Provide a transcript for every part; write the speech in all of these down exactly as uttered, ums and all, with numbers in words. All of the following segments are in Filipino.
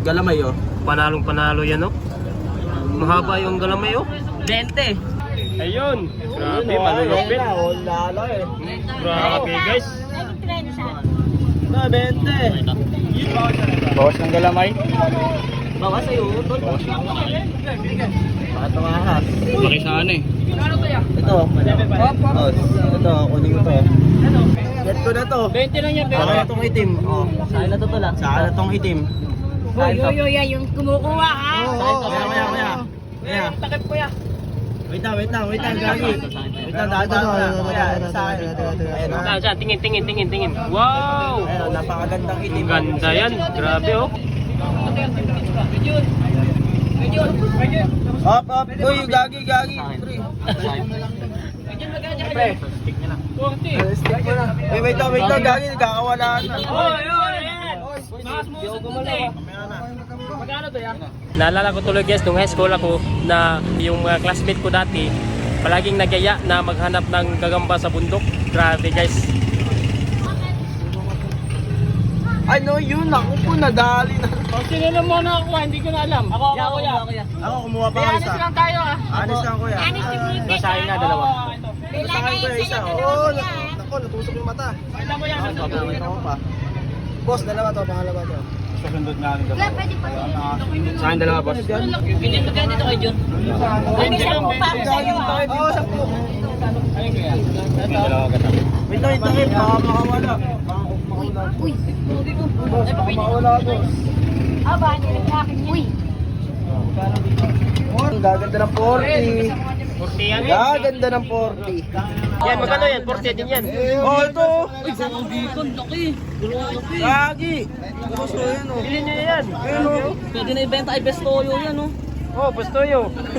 galamay oh. Panalong panalo yan, oh. Mahaba yung galamay, oh. twenty. Ayun. Grabe, malulupit. Lalo eh. Grabe, guys. Na, twenty. Bawas ng galamay. Bawas sa'yo, tol. Bakit tumahas? Laki saan eh. Ito. Oh, ito, kunin mo to. Get ko na to. twenty lang yan, Sa akin na tong itim. Oh, sa akin na to tol ah. Sa akin na tong itim. Hoy, hoy, hoy, yan yung kumukuha, ha? Kaya, kaya, kaya. Kaya. Takip ko yan. Wait lang, wait lang, wait lang, gagi. Wait lang, daan, daan, daan. Kaya, sa akin. Ayun oh. Saan, saan? Tingin, tingin, tingin, tingin. Wow! Ayun oh, napakagandang itim. Ganda yan. Grabe, oh. Up, up. Uy, gagi, gagi. Pre. Pre. Stick mo na. Wait, wait lang, wait lang, gagi. Kakawalaan na. Hoy, hoy, yan. Mga smooth smooth eh. Magkano to yan? Naalala ko tuloy, guys, nung high school ako na yung mga classmate ko dati palaging nagyaya na maghanap ng gagamba sa bundok. Grabe, guys. Ano yun? Ako po nadali na. O, sino na muna ako? Hindi ko na alam. Ako, ako, kuya. Ako kumuha pa May ako anis isa. lang tayo, ah. Anis lang kuya. Basahin nga, dalawa. Oo, ito. Basahin ko isa. Oo, nako, natusok yung mata. Kailan mo yan? Gagawin ako pa. Boss, dalawa to, pangalawa to. Susundot na rin dalawa. Sa akin dalawa, boss. Hindi mo ganito kay John. Hindi siya mo pa ako sa'yo, ah. Oo, sampu. Ayun, kuya. Wait lang, wait lang, wait. Baka makawala. Uy! Boss, baka makawala, boss. Aba, nilagkakin niya. Uy! Ang gaganda ng forty. forty yan. Gaganda ng forty. Yan, magkano yan? forty din yan. Oh, ito. Uy, sarang bacon, laki. Grabe. Gagi. Boss, oh, yan oh. Bilhin nyo yan. Ayun oh. Pwede na ibenta ay best toyo yan, oh. Oh, gusto nyo.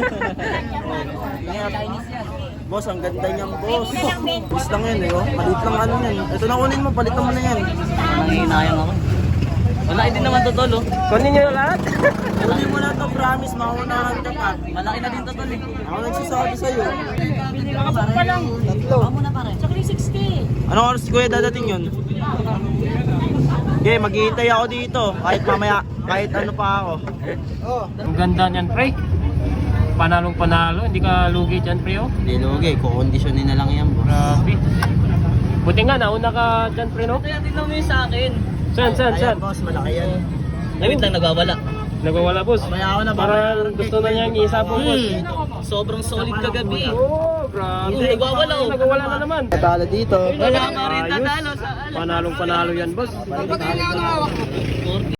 Boss, ang ganda niyang boss. Boss lang yan eh, oh. Palit lang ano yan. Ito na kunin mo, palit naman na yan. Nangihinayang ako. Malaki din naman to, tol, oh. Kunin nyo lahat. Kunin mo na to, promise, maunahan ka pa. Malaki na din to, tol, eh. Ako nagsasabi sa'yo. Nakapag pa lang. Tatlo. Ako na pare. Tsaka yung sixty. Anong oras kuya dadating yun? Okay, maghihintay ako dito. Kahit mamaya, kahit ano pa ako. Oh. Ang ganda niyan, pre. Panalong panalo. Hindi ka lugi dyan, pre, oh. Hindi lugi, kukondisyonin na lang yan, boss. Grabe. Buti nga, nauna ka dyan, pre, no? Kaya tingnan mo yung sa akin. Saan, saan, Ayan, saan? boss, malaki yan. Nawin lang nagwawala. Nagwawala, boss. Mamaya ako na, Parang gusto na niyang isabong, boss. Sobrang solid kagabi. Oh, grabe. Hindi, nagwawala, oh. Nagwawala na naman. Natalo dito. Wala ka rin Ayos. tatalo sa alam. Panalong panalo yan, boss. forty.